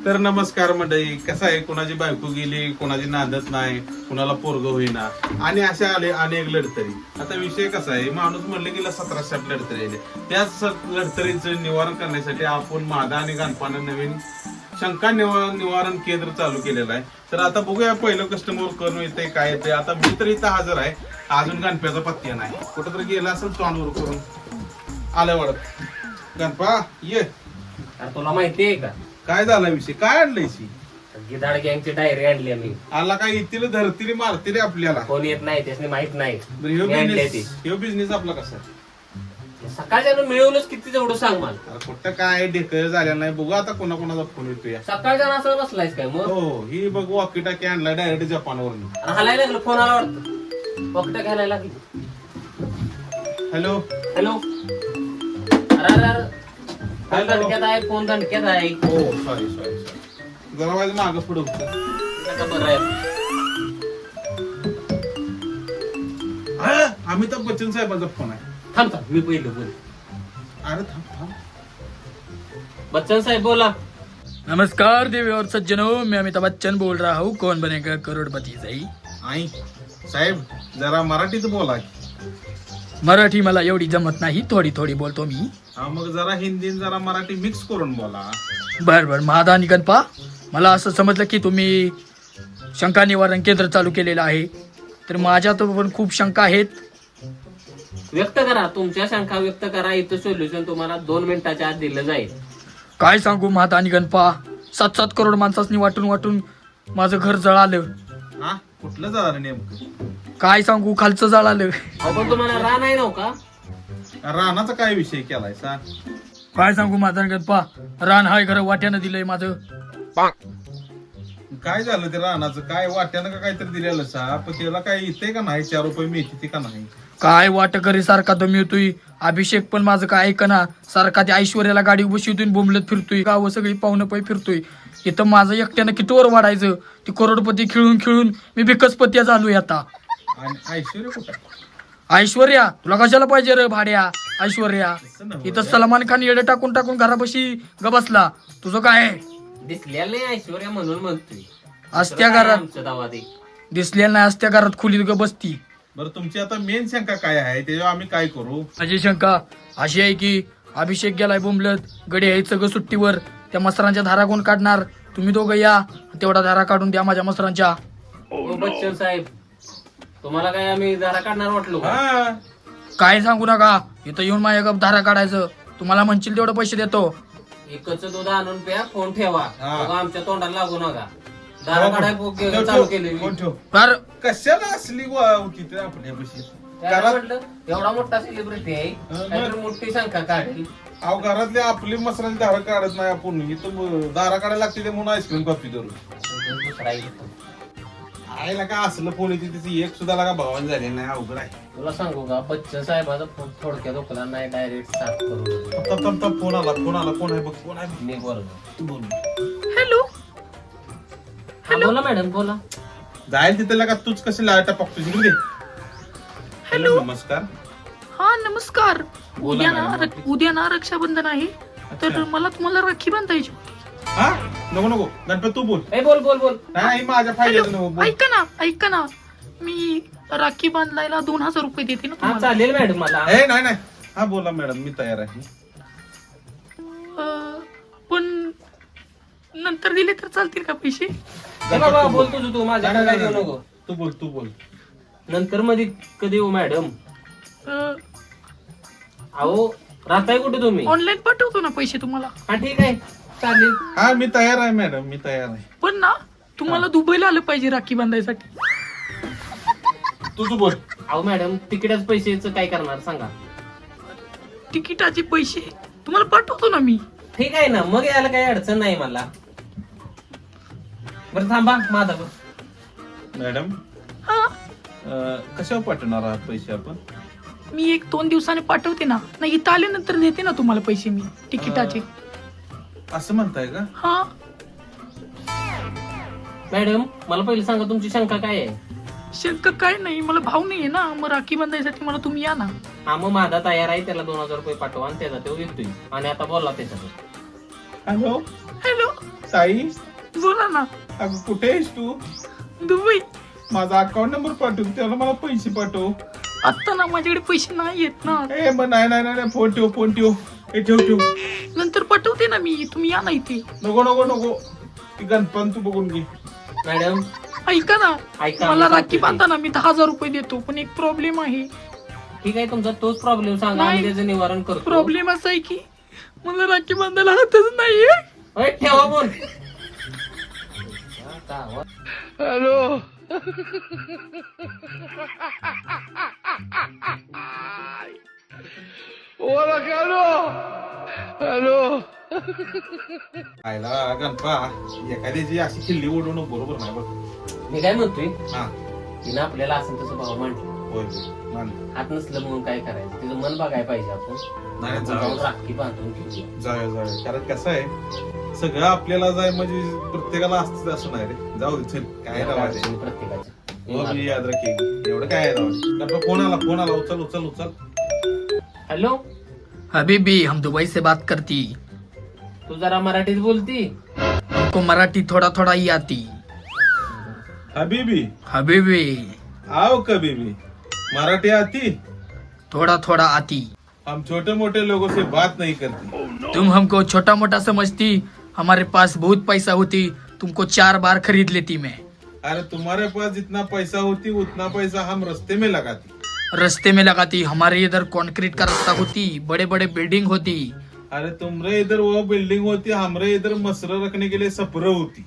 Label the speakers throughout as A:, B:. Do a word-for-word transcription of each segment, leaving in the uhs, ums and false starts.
A: तर नमस्कार मंडळी, कसं आहे, कोणाची बायको गेली, कोणाची नांदत नाही, कोणाला पोरग होईना आणि अशा आले अनेक लढतरी. आता विषय कसा आहे, माणूस म्हणले गेला सतरा साठ लढतरी आले. त्याच लढतरीचं निवारण करण्यासाठी आपण मादा आणि गणपानं नवीन शंका निवारण केंद्र चालू केलेलं आहे. तर आता बघूया पहिलं कस्टमर करून येते काय येते. आता मी तर इथं हजर आहे, अजून गणप्याचा पत्त्या नाही. कुठं तरी गेला असेल तोंडवर करून आलं वाढत. गणपा ये.
B: तुला माहितीये का
A: काय झाला विषय, काय आणलंयशी?
B: गिधाड गँगची डायरी आणली आम्ही.
A: आला काय येतील धरतील मारतील आपल्याला,
B: कोण येत नाही त्याने माहित नाही.
A: ह्यो
B: मी आणली
A: बिझनेस ह्यो बिझनेस आपला कसा आहे?
B: सकाळच्या मिळवलंच किती तेवढं सांग मला.
A: अरे कुठं काय ढेकळ झालेला नाही. बघू आता कोणा कोणाचा फोन येतो या.
B: सकाळच्या असं बसलायस काय मग?
A: हो, ही बघ वॉकी टाकी आणलाय डायरेक्ट जपानवरून.
B: हलायला लागलं, फोन आला वाटतं. पकट घ्यायला लागली.
A: Hello
B: hello. अरे अरे अरे फोन दणक्यात आहे, फोन दणक्यात आहे.
A: हो सॉरी सॉरी सॉरी जरा माझं मागं पुढं होतं.
B: बरं आहे.
A: हा, अमिताभ बच्चन साहेबांचा फोन आहे.
B: थांब थांब मी पहिलं बोल.
A: अरे थांब थांब.
B: बच्चन साहेब बोला.
C: नमस्कार देवी और सज्जनों, मैं अमिताभ बच्चन बोल रहा हूँ. कौन बनेगा करोड़पती सही.
A: आई साहेब जरा मराठीत बोला.
C: मराठी मला एवढी जमत नाही, थोडी थोडी बोलतो मी.
A: हा मग जरा हिंदी जरा मराठी मिक्स करून बोला.
C: बर बर महादा आणि गणपा, मला असं समजलं की तुम्ही शंका निवारण केंद्र चालू केलेलं आहे. तर माझ्यात पण खूप शंका आहेत.
B: व्यक्त करा, तुमच्या शंका व्यक्त करा. इथं सोल्युशन तुम्हाला दोन मिनिटाच्या आत दिलं जाईल.
C: काय सांगू महादा आणि गणपा, सात सात करोड माणसांनी वाटून वाटून माझं घर जळालं.
A: हा कुठलं झालं नेमकं?
C: काय सांगू, खालचं जळालं.
B: आपण तुम्हाला रान आहे नव्ह का?
A: रानाचा काय विषय केलाय सांग?
C: काय सांगू महादा आणि गणपा, रान हाय घर वाट्यानं दिलंय माझं.
A: काय झालं ते रानाचं? काय वाट्यानं का काहीतरी दिलेलं सा, पण त्याला काय येते का नाही? चार रुपये मिळते का नाही?
C: काय वाटकरी सारखा तो मिळतोय. अभिषेक पण माझं काय ऐकना, सारखा त्या ऐश्वर्याला गाडी बसवतोय, बोंबलत फिरतोय, गाव सगळी पाहुणं पै फिरतोय. इथं माझं एकट्यानं कितीवर वाढायचं? ती करोडपती खेळून खेळून मी बिकसपत्या झालोय आता.
A: आणि ऐश्वर्या कुठं?
C: ऐश्वर्या तुला कशाला पाहिजे रे भाड्या? ऐश्वर्या इथं सलमान खान येडे टाकून टाकून घरापाशी ग बसला. तुझं काय?
B: दिसलेलं नाही ऐश्वर्या म्हणून म्हणतोय.
C: असत्या घरात
B: आमचं दावा दे.
C: दिसलेल्या नाही, असत्या घरात खोलीत ग बसती.
A: बरं तुमची आता मेन शंका काय आहे, त्याच्यावर आम्ही काय करू?
C: माझी शंका अशी आहे की अभिषेक गेलाय बोंबलत, गडी आहे सगळं सुट्टीवर. त्या मसरांच्या धारा कोण काढणार? तुम्ही दोघं या, तेवढा धारा काढून द्या माझ्या मसरांच्या.
B: ओ बच्चन साहेब, तुम्हाला काय आम्ही धारा काढणार वाटलो का?
A: हा
C: काय सांगू नका, इथं येऊन माझ्या गप धारा काढायचं. तुम्हाला म्हणशील तेवढं पैसे देतो.
B: एकच दूध आणून प्या, फोन ठेवा.
A: हा.
B: बघा, आमच्या तोंडाला लागू नका. धारा काढाय
A: ठेव,
B: चालू
A: ठेव,
B: केली.
A: कोण ठेव?
C: तर
A: कशाला असली होती तर आपल्यापाशी?
B: त्याला
A: घरात
B: म्हटलं एवढा मोठा सेलिब्रिटी आहे,
A: मग?
B: काहीतरी मोठी शंका काढेल.
A: अहो घरातली आपली मसरांची धारा काढत नाही आपण, इथं धारा काढायला लागते ते म्हणून आईस्क्रीम कॉफी करू.
B: दुसरा येतो.
A: आईला काय असलं फोन येते त्याची एक सुद्धा लागा भावान झाली नाही. अवघड आहे.
B: तुला सांगू का, बच्चन साहेबाचा फोन थोडक्यात ओकला नाही, डायरेक्ट साफ करू.
A: तप तप तप फोन आला, फोन आला. कोण आहे बघ, कोण आहे?
B: मी बोलतो.
A: तू बोल.
C: हॅलो.
B: हा, बोला मॅडम, बोला.
A: जाईल तिथे लागा, तूच कशी लाटा पकतो जिकडे. हॅलो नमस्कार.
C: हा नमस्कार.
A: बोला
C: उद्या ना
A: मॅडम.
C: रक- उद्या ना रक्षाबंधन आहे, तर मला तुम्हाला राखी बांधायची.
A: हा नको नको गणपत तू बोल.
B: ए बोल बोल बोल.
A: नाही माझ्या फायद्याचं नको बोल.
C: ऐका ना ऐका ना, मी राखी बांधायला दोन हजार रुपये देते ना
B: हा
C: तुम्हाला.
B: चालेल मॅडम, मला
A: ए नाही नाही हा बोला मॅडम, मी तयार आहे.
C: अं, पण नंतर दिले तर चालतील का पैसे?
B: ए बाबा, बोल तुझं तू, माझ्या
A: नाही,
B: काय
A: नाही,
B: देऊ
A: नाही.
B: नको.
A: तू बोल तू बोल.
B: नंतर मध्ये कधी येऊ मॅडम?
C: अं,
B: अहो, राहताय कुठे तुम्ही?
C: ऑनलाईन पाठवतो ना पैसे तुम्हाला.
B: हा ठीक आहे, चालेल.
A: हा मी तयार आहे मॅडम, मी तयार आहे.
C: पण ना तुम्हाला दुबईला आलं पाहिजे राखी बांधायसाठी.
A: तू तू बोल.
B: अहो मॅडम, तिकडेच पैशाचं काय करणार सांगा?
C: तिकिटाचे पैसे तुम्हाला पाठवतो ना मी.
B: ठीक आहे ना, मग यायला काही अडचण नाही मला. बरं थांबा, माझा बघ.
A: मॅडम
C: हा
A: अं, कशावर पाठवणार आहात पैसे आपण?
C: मी एक दोन दिवसाने पाठवते ना, नाही इथं आल्यानंतर देते ना तुम्हाला पैसे मी तिकिटाचे.
A: असं म्हणताय का?
C: हा
B: मॅडम, मला पहिले सांगा तुमची शंका काय आहे?
C: शंका काय नाही, मला भाव नाहीये ना, मग राखी बांधायसाठी मला तुम्ही या ना.
B: हा मग माझा तयार आहे, त्याला दोन हजार रुपये पाठवा आणि त्याचा तो येतोय. आणि आता बोला त्याच्यात.
A: हॅलो
C: हॅलो
A: साई,
C: बोला ना.
A: अगं कुठे आहेस तू?
C: दुबई.
A: माझा अकाउंट नंबर पाठव, त्याला मला पैसे पाठव.
C: आता ना माझ्याकडे पैसे नाही येत ना.
A: ए मग नाही नाही नाही फोन ठेव फोन ठेव ए ठेव ठेव
C: नंतर पाठवते ना मी, तुम्ही या ना इथे.
A: नको नको नको ती गणपण तू बघून घे.
B: मॅडम
C: ऐका ना,
B: ऐका,
C: मला
B: मी
C: राखी
B: सांगते.
C: बांधा ना, मी दहा हजार रुपये देतो. पण एक प्रॉब्लेम आहे.
B: ठीक आहे, तुमचा तोच प्रॉब्लेम सांगा, आम्ही
C: नाही.
B: त्याचं निवारण करतो.
C: प्रॉब्लेम असा आहे की मला राखी बांधायला हातच नाहीये.
B: ओय, ठेवा बोल.
C: हॅलो. हॅलो.
A: आयला गणपा, एखाद्याची अशी खिल्ली उडवणं बरोबर नाही बघ.
B: मी काय म्हणतोय,
A: हा
B: तिनं आपल्याला असं तसं भाव मांडलं,
A: होय होय मान.
B: हात नसलं म्हणून काय करायचं, तिचं मन बघायला पाहिजे आपण.
A: नाही
B: आपण
A: जाऊया
B: जाऊन राखी बांधून घेऊया.
A: जाऊया जाऊया कारण कसं आहे सगळं आपल्याला जाय म्हणजे प्रत्येकाला असतं असं नाही रे. जाऊ दे चल, काय
B: एवढ्या
A: रावायचं
B: अडचणी प्रत्येकाच्या.
A: हो मी याद राखी, एवढं काय आहे राव. गणपा फोन आला फोन आला उचल उचल उचल.
B: हॅलो,
C: हबीबी, हम दुबई से बात करती.
B: तू जरा मराठीत बोलती.
C: हमको मराठी थोड़ा थोड़ा ही आती.
A: हबीबी
C: हबीबी,
A: आओ कभी भी मराठी आती.
C: थोड़ा थोड़ा आती.
A: हम छोटे मोटे लोगों से बात नहीं करते.
C: तुम हमको छोटा मोटा समझती, हमारे पास बहुत पैसा होती, तुमको चार बार खरीद लेती मैं.
A: अरे तुम्हारे पास जितना पैसा होती उतना पैसा हम रास्ते में लगाती.
C: रास्ते में लगाती. हमारे इधर कंक्रीट का रास्ता होती, बड़े बड़े बिल्डिंग होती.
A: अरे तुम्हारे इधर वो बिल्डिंग होती, हमारे इधर मसर रखने के लिए सपर होती.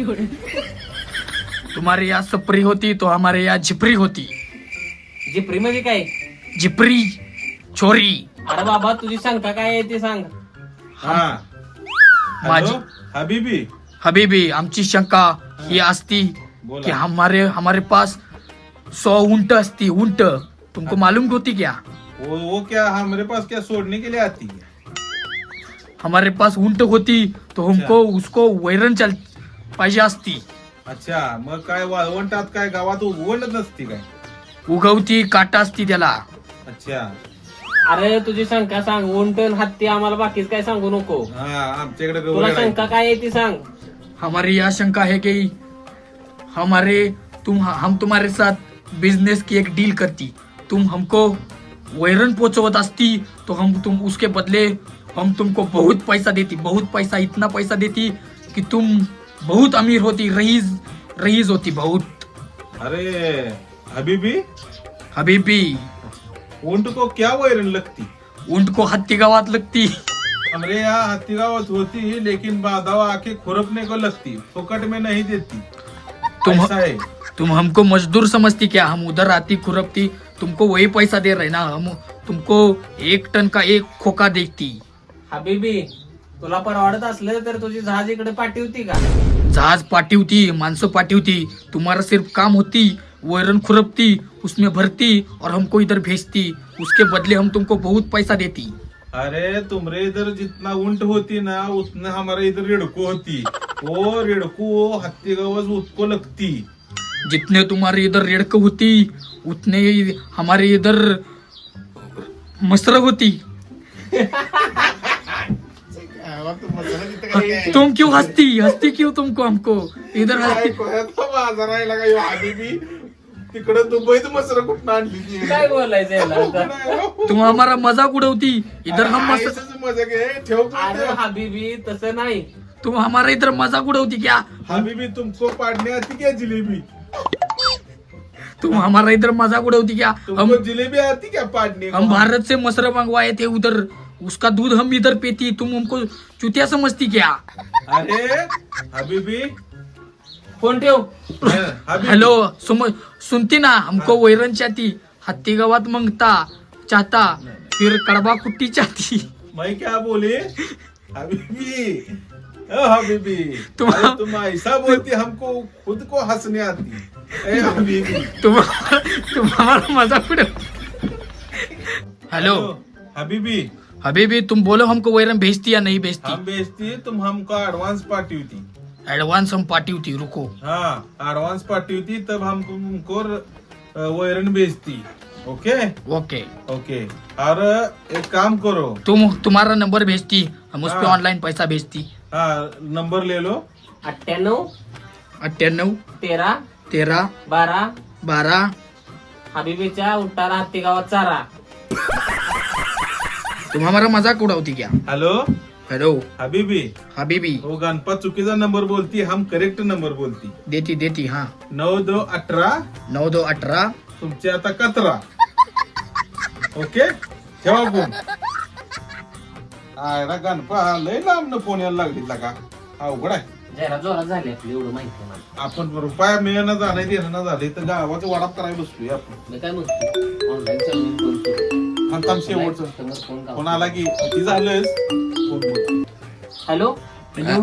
C: तुम्हारे यहाँ सपरी होती तो हमारे यहाँ झिपरी होती.
B: जिप्री म्हणजे काय?
C: झिपरी छोरी.
B: अरे बाबा, तुझी शंका काय आहे ते सांग.
A: हाँ
C: माझी
A: हेलो हबीबी
C: हबीबी, आमची शंका ही असती की
A: बोला.
C: हमारे हमारे पास सौ ऊंट असती. ऊंट तुमको मालूम होती क्या?
A: वो वो क्या हमारे पास क्या सोडने के लिए आती है?
C: हमारे पास ऊंट होती तो हमको उसको वैरण चल पाहिजे असती.
A: अच्छा मग काय वाळवंटात काय गावात उगवणच नसती काय?
C: उगवती काटा असती त्याला.
A: अच्छा
B: अरे तुझी शंका सांग. उंटन हत्ती आम्हाला बाकीच काय सांगू नको.
A: हा आमच्याकडे
B: तुला
A: गवळ
B: शंका काय आहे ती सांग.
C: हमारी यह शंका है कि हमारे तुम हम तुम्हारे साथ बिजनेस की एक डील करती. तुम हमको वैरण पहुंचवत असती तो हम तुम उसके बदले हम तुमको बहुत पैसा देती. बहुत पैसा, इतना पैसा देती कि तुम बहुत अमीर होती, रईस रईस होती बहुत.
A: अरे हबीबी
C: हबीबी,
A: ऊंट को क्या वैरण लगती?
C: ऊंट को हत्ती गावात लगती.
A: हमारे यहाँ हत्तीगावत होती लेकिन बादावा आके खुरपने को लगती, फुकट में नहीं देती.
C: तुम
A: ऐसा है.
C: तुम हमको मजदूर समझती क्या? हम उधर आती खुरपती, तुमको वही पैसा दे रहे ना. हम तुमको एक टन का एक खोका देती.
B: हबीबी, तुला परवडत असलं तर तुझी जहाज इकडे पाठवती का?
C: जहाज पाठवती, माणसं पाठवती. तुम्हारा सिर्फ काम होती वैरण खुरपती, उसमें भरती और हमको इधर भेजती. उसके बदले हम तुमको बहुत पैसा देती.
A: अरे तुम्हारे इधर जितना ऊंट होती ना उतना हमारे इधर रेड़को होती. वो रेड़को हत्तीगावत उसको लगती.
C: जितने तुम्हारे इधर रेड़क होती उतने ही हमारे इधर मसर होती. तुम क्यों हंसती हंसती क्यों तुमको हमको इधर हंसती.
A: माझा राहिला का ह्यो हबीबी? तिकडे दुबईत मसर कुठं आणली ती?
B: काय बोलायचं याला आता?
C: तुम हमारा मजाक उड़ावती. इधर हम मसर,
A: आईचंच मजा घे, ठेव पण
B: अरे
A: ठेव.
B: हबीबी, तसं नाही.
C: तुम हमारा इधर मजाक उड़ावती क्या?
A: हबीबी तुमको पाडने आती क्या जिलेबी?
C: तुम हमारा इधर मजाक उड़ावती क्या? हम
A: तुमको जिलेबी आती क्या पाडने को?
C: हम भारत से मसर मंगवाए थे उधर, उसका दूध हम इधर पीती. तुम हमको चुतिया समझती क्या?
A: अरे हबीबी
B: फोन ठेव.
A: हबीबी
C: हेलो, सुम सुनती ना? हमको वैरण चाहती, हत्ती गावात मंगता चाहता, फिर कड़वा कुट्टी चाहती.
A: मैं क्या बोले हबीबी? ओ हबीबी
C: तुम-
A: अरे तुम ऐसा बोलती हमको खुद को हंसने आती. ए हबीबी
C: तुम तुम हमारा मजाक उड़ाओ. हेलो
A: हबीबी
C: हबीबी, तुम बोलो हमको वैरण भेजती या नहीं भेजती?
A: हम बेचती तुम हमको एडवांस पार्टी होती.
C: एडवांस हम पार्टी होती. रुको,
A: हाँ एडवांस पार्टी होती तब हम तुमको अ, वैरण बेचती. Okay
C: okay.
A: ओके और एक काम करो.
C: तुम तुम्हारा नंबर भेजती, हम उस पे
A: हाँ।
C: ऑनलाइन पैसा भेजती.
A: हाँ नंबर ले लो.
B: अठ्ठ्याण्णव
C: अठ्ठ्याण्णव
B: तेरा
C: तेरा
B: बारा
C: बारा.
B: हबीबीच्या उठाला हत्ती गावात चारा.
C: तुम हमारा मजाक उड़ावती क्या?
A: हेलो
C: हेलो
A: हबीबी.
C: हबीबी.
A: वो गणपत चुकीचा नंबर बोलती, हम करेक्ट नंबर बोलती.
C: देती देती हाँ.
A: नऊ दो अठरा.
C: नऊ दो अठरा.
A: तुमचे आता कतरा. ओके ठेवा फोन. आयला गणपा लय लांब फोन यायला लागली का अवघड आहे.
B: जरा जोरात झाली आपली एवढं माहिती आहे मला.
A: आपण रुपया मिळणं जाणं देणं झाले तर गावाचं वाडाप करायला बसलोय आपण.
B: मी काय म्हणतो ऑनलाईन सर्व्हिस फोन करू.
A: थांब थांब शेवटचं
B: कस्टमर फोन गाव.
A: फोन आला की किती झालंस फोन बोल.
B: Hello
C: hello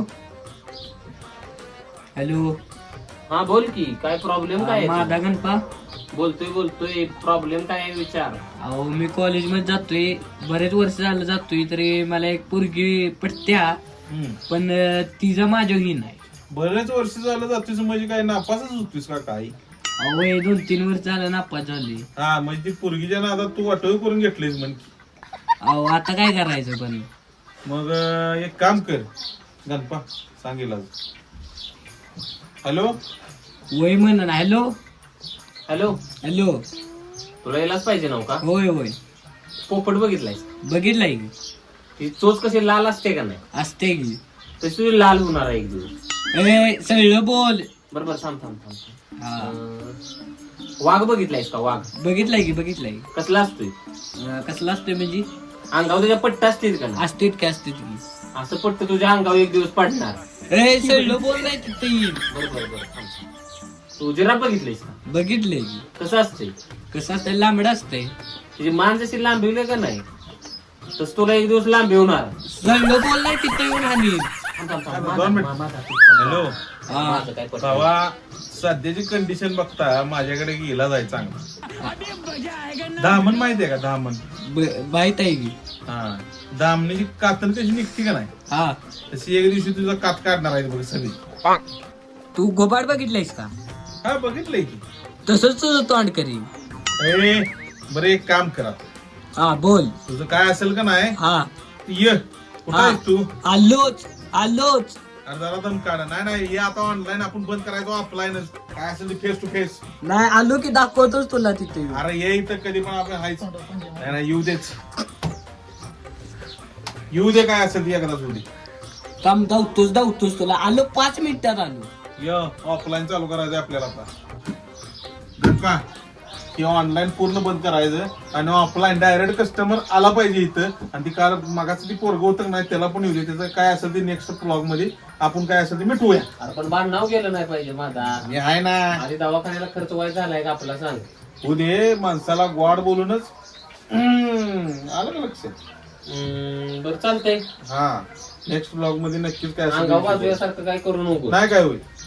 C: hello.
B: हा बोल की काय प्रॉब्लेम काय आहे?
C: माझा गणपा.
B: बोलतोय बोलतोय प्रॉब्लेम काय आहे विचार.
C: अहो मी कॉलेजमध्ये जातोय, बरेच वर्ष झालं जातोय, तरी मला एक पोरगी पटत्या,
A: हम्म.
C: पण अं, तिचं माझं ही नाही.
A: बरेच वर्ष झालं जातोस म्हणजे काय नापासच होतीस का काय?
C: अहो हे दोन तीन वर्ष झालं नापास झाली.
A: हा म्हणजे ती पोरगीच्या नादात तू वाटोळ करून घेतलीस म्हण.
C: अहो आता काय करायचं पण.
A: मग अं, एक काम कर गणपा सांगेल आज. हॅलो
C: वय म्हण. Hello
B: hello
C: hello.
B: तुला यायलाच पाहिजे नव्ह का?
C: होय होय
B: पोपट बघितलायस?
C: बघितलाय की.
B: ती चोच कशी लाल असते का नाही
C: असते की.
B: तशी तुझी लाल होणार आहे एक दिवस.
C: ए सगळं बोल.
B: बरोबर थांब थांब थांब.
C: हा
B: अं, वाघ बघितलायस का? वाघ
C: बघितलाय की बघितलाय.
B: कसला असतोय?
C: अं, कसला असतोय म्हणजे?
B: अंगावर त्याच्या पट्टा असतील का नाही?
C: असतेत की असतेत की.
B: असं पट्ट तुझ्या अंगावर एक दिवस पडणार.
C: ए सगळं बोल नाही तिथे येईल.
B: बरोबर बरोबर थांब. तू जिराफ बघितलीस का?
C: बघितलंय की.
B: कसं असतंय?
C: कसं असतंय? लांबडं असतंय.
B: तुझी मान जशी लांबवली का नाही तस तुला एक दिवस लांबी होणार.
C: सगळं बोल नाही तिथे येऊन हानी.
B: थांब, थांब, थांब.
A: दोन
B: माझा-
A: मिनिट.
B: मा- माझा हात थांब.
A: हॅलो
B: माझं काय पटलं.
A: भावा सध्याची कंडिशन बघता माझ्याकडे गेला जाय चांगला. दामन माहितीये का? दामन
C: माहित आहे की.
A: हा दामणीची कातन कशी निघते का नाही
C: हा
A: तशी एक दिवशी तुझा कात काढणार आहे बघ सगळी.
C: तू गोबाड बघितलायस का?
A: हा बघितलंय की.
C: तसंच तुझं तोंड करीन.
A: ए बरं एक काम करा
C: हा बोल.
A: तुझं काय असेल का नाही
C: हा
A: ये. कुठं
C: हा.
A: आहेस तू?
C: आलोच आलोच.
A: अरे जरा दम काढा. नाही नाही हे आता ऑनलाईन आपण बंद करायचो ऑफलाईनच. काय असेल ते फेस टू फेस.
C: नाही आलो की दाखवतोच तुला तिथे.
A: अरे ये इथं कधी पण आपण हायच. नाही नाही येऊ देच. येऊ दे काय असेल ती एकदाच होऊ दे.
C: काम धावतोच धावतोच तुला. आलो पाच मिनिटात आलो.
A: य ऑफलाईन चालू करायचं आपल्याला आता. का की ऑनलाईन पूर्ण बंद करायचं आणि ऑफलाईन डायरेक्ट कस्टमर आला पाहिजे इथं. आणि ती कार मागाचं ती पोरग होतं नाही त्याला पण येऊ दे. त्याचं काय असेल ते नेक्स्ट ब्लॉग मध्ये आपण काय असेल ते मिटवूया.
B: अरे पण बाण नाव गेलं नाही पाहिजे माझा.
A: हे आहे ना
B: आधी दवाखान्याला खर्च व्हायचा झालाय का आपला सांग.
A: होऊ दे माणसाला गोड बोलूनच. हम्म, आलं का लक्षात?
B: हम्म, बरं चालतंय.
A: हा नेक्स्ट ब्लॉग मध्ये नक्कीच काय
B: अंगावर
A: असेल ते
B: बाजूसारखं काय करू नको.
A: नाही काय होईल.